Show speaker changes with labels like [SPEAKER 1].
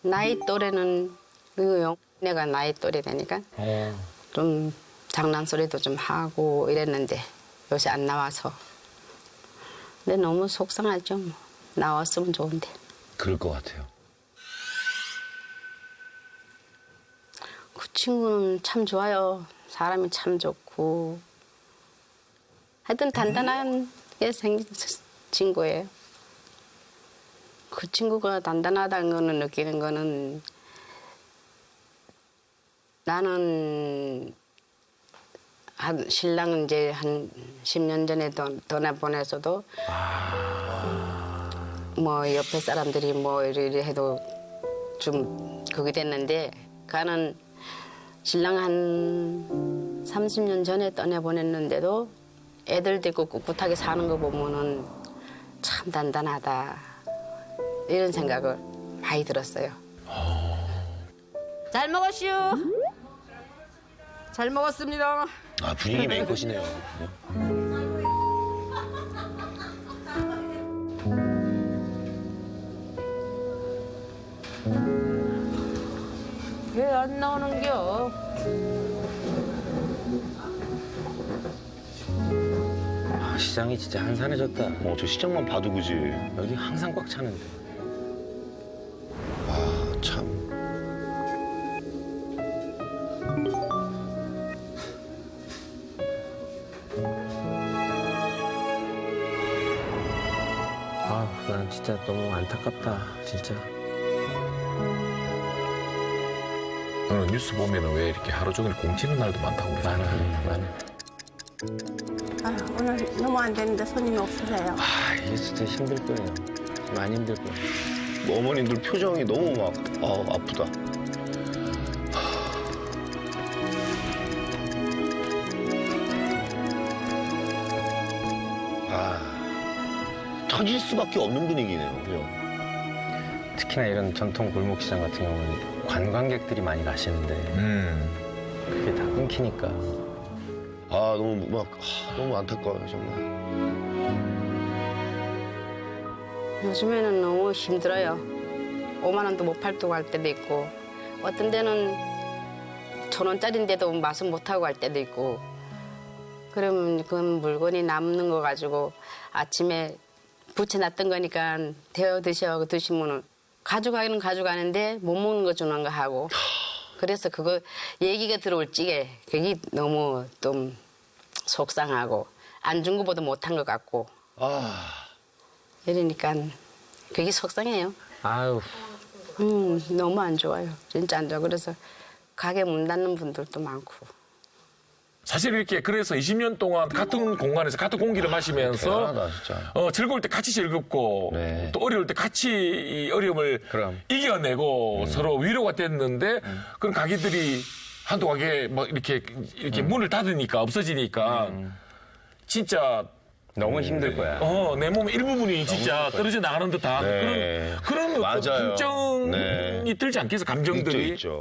[SPEAKER 1] 나이 또래는 이거요. 내가 나이 또래 되니까 좀 장난소리도 좀 하고 이랬는데 요새 안 나와서. 근데 너무 속상하죠. 뭐. 나왔으면 좋은데.
[SPEAKER 2] 그럴 것 같아요.
[SPEAKER 1] 그 친구는 참 좋아요. 사람이 참 좋고. 하여튼 단단하게 생긴 친구예요. 그 친구가 단단하다는 거는 느끼는 거는 나는 신랑은 이제 한 10년 전에 떠나보내서도 뭐 옆에 사람들이 뭐 이래 해도 좀 그게 됐는데 가는 신랑 한 30년 전에 떠나보냈는데도 애들 데리고 꿋꿋하게 사는 거 보면은 참 단단하다 이런 생각을 많이 들었어요. 잘 먹었슈. 잘 먹었습니다.
[SPEAKER 2] 아, 분위기 메이커시네요.
[SPEAKER 1] 왜 안 나오는겨?
[SPEAKER 3] 아, 시장이 진짜 한산해졌다.
[SPEAKER 2] 저 시장만 봐도 그지.
[SPEAKER 3] 여기 항상 꽉 차는데.
[SPEAKER 2] 아, 참.
[SPEAKER 3] 아, 난 진짜 너무 안타깝다, 진짜.
[SPEAKER 4] 오늘 뉴스 보면은 왜 이렇게 하루 종일 공치는 날도 많다고 그러잖아요.
[SPEAKER 3] 많아.
[SPEAKER 5] 아, 오늘 너무 안 되는데 손님이 없으세요.
[SPEAKER 3] 아, 이게 진짜 힘들 거예요. 많이 힘들 거예요.
[SPEAKER 2] 어머님들 표정이 너무 막, 아프다. 터질 수밖에 없는 분위기네요. 그죠?
[SPEAKER 3] 특히나 이런 전통 골목시장 같은 경우는 관광객들이 많이 가시는데 그게 다 끊기니까.
[SPEAKER 2] 너무 안타까워요, 정말.
[SPEAKER 1] 요즘에는 너무 힘들어요. 5만 원도 못 팔고 갈 때도 있고 어떤 데는 1,000원짜리인데도 맛은 못하고 갈 때도 있고 그러면 그 물건이 남는 거 가지고 아침에 부쳐놨던 거니까 데워 드시면은 가져가기는 가져가는데 못 먹는 거 주는 거 하고 그래서 그거 얘기가 들어올 적에 그게 너무 좀 속상하고 안 준 거보다 못한 것 같고 이러니까 그게 속상해요.
[SPEAKER 3] 아유,
[SPEAKER 1] 너무 안 좋아요. 진짜 안 좋아. 그래서 가게 문 닫는 분들도 많고.
[SPEAKER 4] 사실 이렇게 그래서 20년 동안 같은 공간에서 같은 공기를 마시면서
[SPEAKER 2] 대단하다, 진짜.
[SPEAKER 4] 즐거울 때 같이 즐겁고
[SPEAKER 2] 네.
[SPEAKER 4] 또 어려울 때 같이 이 어려움을
[SPEAKER 3] 그럼.
[SPEAKER 4] 이겨내고 서로 위로가 됐는데 그런 가게들이 한두 가게 막 이렇게 문을 닫으니까 없어지니까 진짜
[SPEAKER 3] 너무 힘들 거야.
[SPEAKER 4] 내 몸의 일부분이 진짜 떨어져 나가는 듯한
[SPEAKER 2] 네.
[SPEAKER 4] 그런
[SPEAKER 2] 맞아요.
[SPEAKER 4] 걱정이
[SPEAKER 2] 네.
[SPEAKER 4] 들지 않겠어 감정들이.
[SPEAKER 2] 있죠.